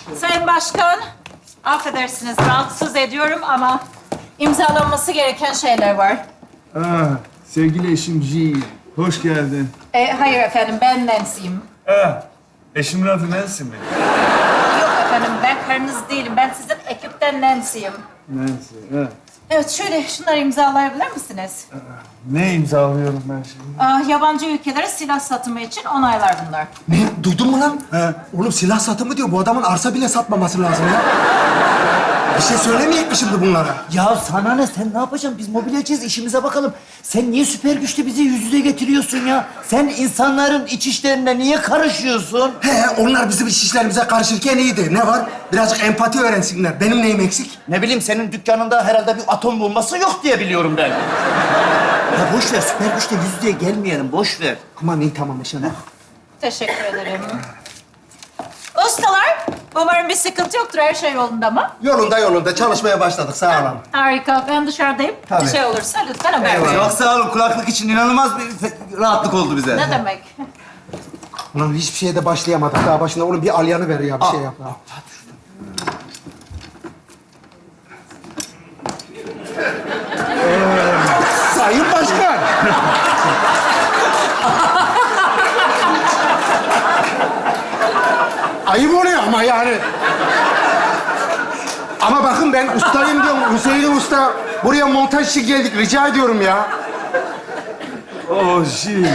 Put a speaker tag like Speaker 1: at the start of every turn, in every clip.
Speaker 1: Sayın Başkan, affedersiniz rahatsız ediyorum ama imzalanması gereken şeyler var.
Speaker 2: Sevgili eşim G, hoş geldin.
Speaker 1: Hayır efendim, ben Nancy'yim.
Speaker 2: Eşimin adı Nancy mi?
Speaker 1: Yok efendim, ben karınız değilim. Ben sizin ekipten Nancy'yim.
Speaker 2: Nancy,
Speaker 1: Evet, şöyle şunları imzalayabilir misiniz?
Speaker 2: Ne imzalıyorum ben şimdi?
Speaker 1: Yabancı ülkelere silah satımı için onaylar bunlar.
Speaker 3: Ne? Duydun mu lan? Oğlum silah satımı diyor. Bu adamın arsa bile satmaması lazım ya. Bir şey söylemeyecek mi şimdi bunlara?
Speaker 4: Ya sana ne? Sen ne yapacaksın? Biz mobilyacıyız, işimize bakalım. Sen niye süper güçle bizi yüz yüze getiriyorsun ya? Sen insanların iç işlerine niye karışıyorsun?
Speaker 3: He, onlar bizim iş işlerimize karışırken iyiydi. Ne var? Birazcık empati öğrensinler. Benim neyim eksik?
Speaker 4: Ne bileyim, senin dükkanında herhalde bir atom bombası yok diye biliyorum ben. Ya boş ver, süper güçle yüz yüze gelmeyelim, boş ver.
Speaker 3: Aman iyi tamam Eşen.
Speaker 1: Teşekkür ederim. Ustalar, umarım bir sıkıntı yoktur. Her şey yolunda mı?
Speaker 3: Yolunda. Çalışmaya başladık. Sağ olun.
Speaker 1: Harika. Ben dışarıdayım.
Speaker 3: Tabii.
Speaker 1: Bir şey olursa lütfen haber verin.
Speaker 5: Çok sağ olun. Kulaklık için inanılmaz bir rahatlık oldu bize.
Speaker 1: Ne demek?
Speaker 3: Ulan hiçbir şeye de başlayamadık. Daha başında oğlum bir alyanı ver ya. Bir şey yap. Ha. Sayın Başkan. Ayıp oluyor ama yani. Ama bakın ben ustayım diyorum. Hüseyin Usta. Buraya montaj için geldik. Rica ediyorum ya.
Speaker 2: G.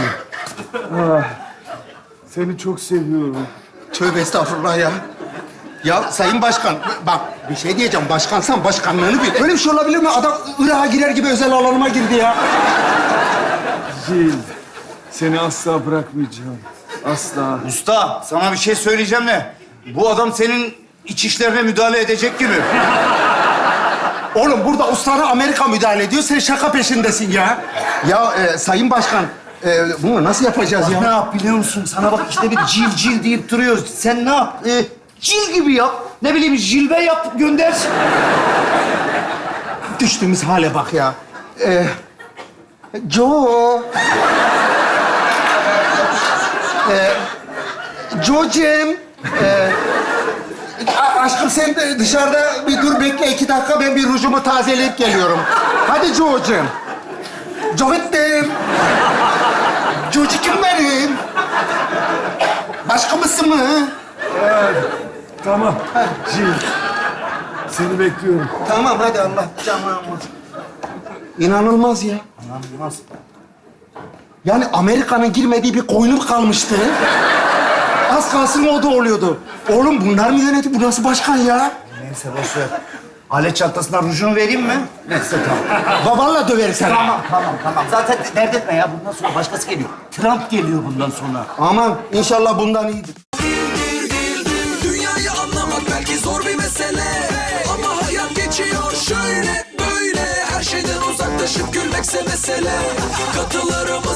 Speaker 2: Seni çok seviyorum.
Speaker 3: Tövbe estağfurullah ya. Ya Sayın Başkan, bak bir şey diyeceğim. Başkansan başkanlığını bil. Öyle bir şey olabilir mi? Adam Irak'a girer gibi özel alanıma girdi ya.
Speaker 2: Gil, seni asla bırakmayacağım. Asla.
Speaker 5: Usta, sana bir şey söyleyeceğim de. Bu adam senin iç işlerine müdahale edecek gibi.
Speaker 3: Oğlum burada ustana Amerika müdahale ediyor. Sen şaka peşindesin ya. Ya Sayın Başkan, bunu nasıl yapacağız
Speaker 4: Ne
Speaker 3: ya?
Speaker 4: yap biliyor musun? Sana bak işte bir cil deyip duruyoruz. Sen ne yap? Cil gibi yap. Ne bileyim jilve yap, gönder.
Speaker 3: Düştüğümüz hale bak ya. Joe. Joe'cim. Aşkım sen de dışarıda bir dur bekle 2 dakika. Ben bir rujumu tazeleyip geliyorum. Hadi Joe'cim. Joe'cim. Joe'cum benim. Başka mısın mı?
Speaker 2: Tamam. Gil, seni bekliyorum.
Speaker 3: Tamam hadi Allah canına. İnanılmaz ya.
Speaker 4: İnanılmaz.
Speaker 3: Yani Amerika'nın girmediği bir koynum kalmıştı. Az kalsın o da oluyordu. Oğlum bunlar mı yönetiyor? Bu nasıl başkan ya?
Speaker 4: Neyse boş ver. Alet çantasından rujunu vereyim mi? Neyse tamam.
Speaker 3: Babanla döveriz seni.
Speaker 4: Tamam. Zaten dert etme ya. Bundan sonra başkası geliyor. Trump geliyor bundan sonra.
Speaker 3: Aman inşallah bundan iyidir.
Speaker 6: Dünyayı anlamak belki zor bir mesele, ama hayat geçiyor şöyle böyle. Her şeyden uzaklaşıp gülmekse mesele. Katılırım